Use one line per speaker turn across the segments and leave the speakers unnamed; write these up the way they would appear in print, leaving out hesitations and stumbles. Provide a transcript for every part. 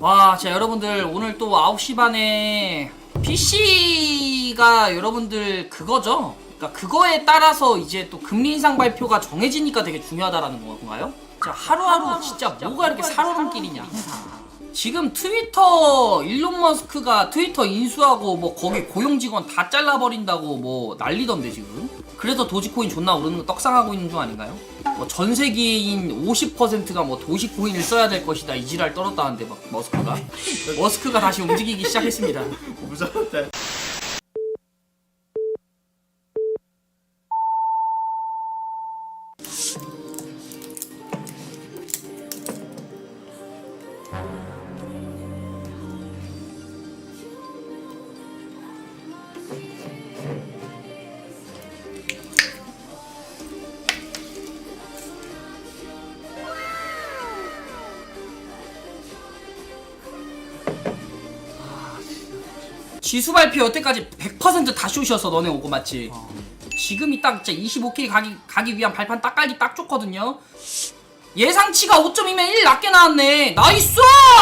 와, 자 여러분들 오늘 또 9시 반에 PC가 여러분들 그거죠? 그러니까 그거에 따라서 이제 또 금리 인상 발표가 정해지니까 되게 중요하다라는 건가요? 자, 하루하루 진짜 뭐가 이렇게 살얼음길이냐. 지금 트위터 일론 머스크가 트위터 인수하고 뭐 거기 고용 직원 다 잘라버린다고 뭐 난리던데 지금. 그래서 도지코인 존나 오르는 거 떡상하고 있는 중 아닌가요? 뭐 전 세계인 50%가 뭐 도시코인을 써야 될 것이다 이 지랄 떨었다는데 막 머스크가 다시 움직이기 시작했습니다.
무서웠다.
지수 발표 여태까지 100% 다 쇼셨어 너네 오고 맞지? 지금이 딱 진짜 25K 가기 위한 발판 딱 깔기 딱 좋거든요. 예상치가 5.2면 1 낮게 나왔네. 나이스!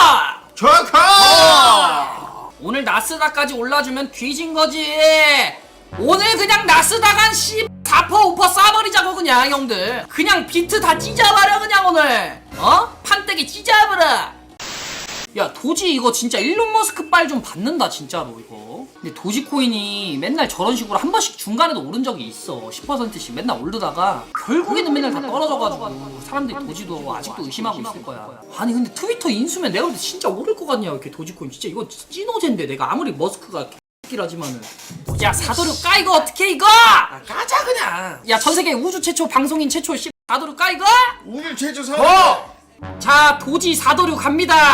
좋아!
오늘 나스닥까지 올라주면 뒤진 거지. 오늘 그냥 나스닥 한 4% 5% 쏴버리자고 그냥 형들. 그냥 비트 다 찢어버려 그냥 오늘. 판때기 찢어버려. 야 도지 이거 진짜 일론 머스크 빨 좀 받는다 진짜로 이거. 근데 도지코인이 맨날 저런 식으로 한 번씩 중간에도 오른 적이 있어. 10%씩 맨날 오르다가 결국에는 맨날 다 떨어져가지고 사람들이 도지도 아직도 의심하고 있을 거야. 아니 근데 트위터 인수면 내가 볼 때 진짜 오를 것 같냐 이렇게 도지코인. 진짜 이거 찐호젠데 내가 아무리 머스크가 개끼라지만은. 야 사도류 까 이거 어떻게 이거.
가자 그냥.
야 전세계 우주 최초 방송인 최초 사도류 까 이거.
우주 최초 사.
자 도지 사도류 갑니다.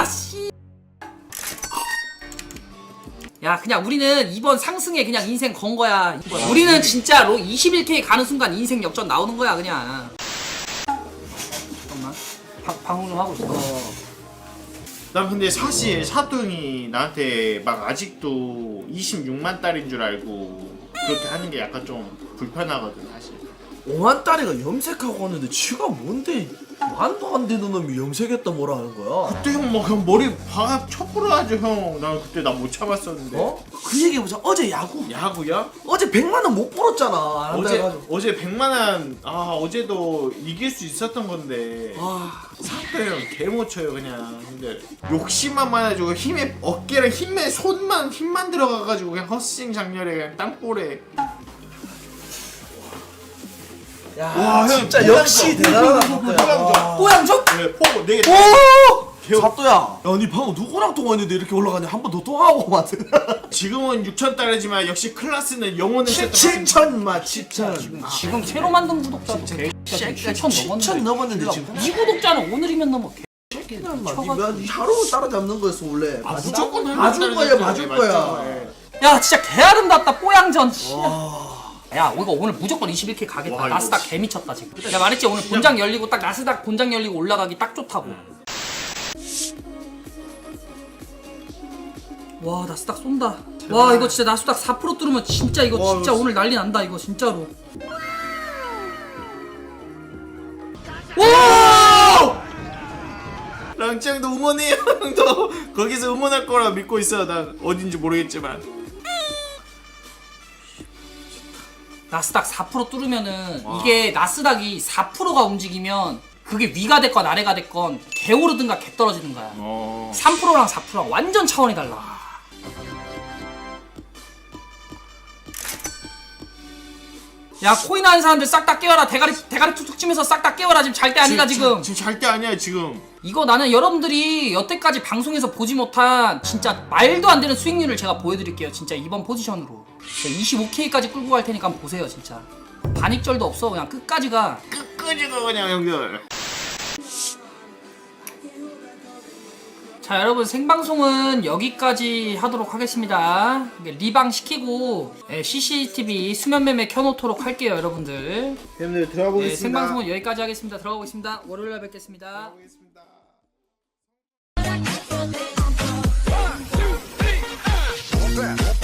야 그냥 우리는 이번 상승에 그냥 인생 건 거야. 우리는 진짜로 21K 가는 순간 인생 역전 나오는 거야 그냥. 잠깐만 방송 좀 하고 있어.
난 근데 사실 사돈이 나한테 막 아직도 26만 달인 줄 알고 그렇게 하는 게 약간 좀 불편하거든 사실.
5만 딸이가 염색하고 왔는데 지가 뭔데 만도 안 되는 놈이 염색했다 뭐라 하는 거야?
그때 형 뭐 그냥 머리 박아 쳐부러 하죠 형. 난 그때 나 못 참았었는데.
그 얘기해보자. 어제 야구.
야구야?
어제 100만 원 못 벌었잖아. 안 한다 해가지고.
어제 100만 원. 어제도 이길 수 있었던 건데. 사또 형 개 못 쳐요 그냥. 근데 욕심만 많아지고 힘에 어깨랑 힘에 힘만 들어가가지고 그냥 헛스윙 장렬에 그냥 땅볼에.
야,
와, 형,
진짜
뽀양정.
역시 대단하다 사또야.
뽀양정?
네, 포고 네 개.
오! 사또야. 야, 니 방금 누구랑 통화했는데 이렇게 올라가냐? 한 번 더 통화하고 맞은.
지금은 6,000달러지만 역시 클라스는 영혼을
7천만 7천.
지금 새로 만든 구독자도 7천 넘었는데
7천 넘었는데 지금.
이 구독자는 오늘이면 넘어.
새끼는 막 하루 따라잡는 거였어 원래.
무조건
봐줄 거야, 봐줄 거야.
야 진짜 개 아름답다 뽀양전. 야 이거 오늘 무조건 21K 가겠다.
와,
나스닥 개 미쳤다 지금. 내가 말했지 오늘 본장 열리고 딱 나스닥 본장 열리고 올라가기 딱 좋다고. 와 나스닥 쏜다. 와 이거 진짜 나스닥 4% 뚫으면 진짜 이거
와,
진짜
이거
오늘 난리 난다 이거 진짜로. 와!
랑짱도 응원해요. 형도 거기서 응원할 거라 믿고 있어. 난 어딘지 모르겠지만.
나스닥 4% 뚫으면은 이게 나스닥이 4%가 움직이면 그게 위가 됐건 아래가 됐건 개 오르든가 개 떨어지든가야. 3%랑 4%랑 완전 차원이 달라. 야 코인 하는 사람들 싹 다 깨워라. 대가리 툭툭 치면서 싹 다 깨워라. 지금 잘 때 아니다 지금.
지금 잘 때 아니야 지금.
이거 나는 여러분들이 여태까지 방송에서 보지 못한 진짜 말도 안 되는 수익률을 제가 보여드릴게요. 진짜 이번 포지션으로 25K까지 끌고 갈 테니까 한번 보세요. 진짜 반익절도 없어. 그냥 끝까지 가.
끝까지가 그냥 형들.
자 여러분 생방송은 여기까지 하도록 하겠습니다. 리방 시키고 CCTV 수면매매 켜놓도록 할게요 여러분들.
형들 들어가 보겠습니다.
생방송은 여기까지 하겠습니다. 들어가 보겠습니다. 월요일날 뵙겠습니다.
들어가 보겠습니다.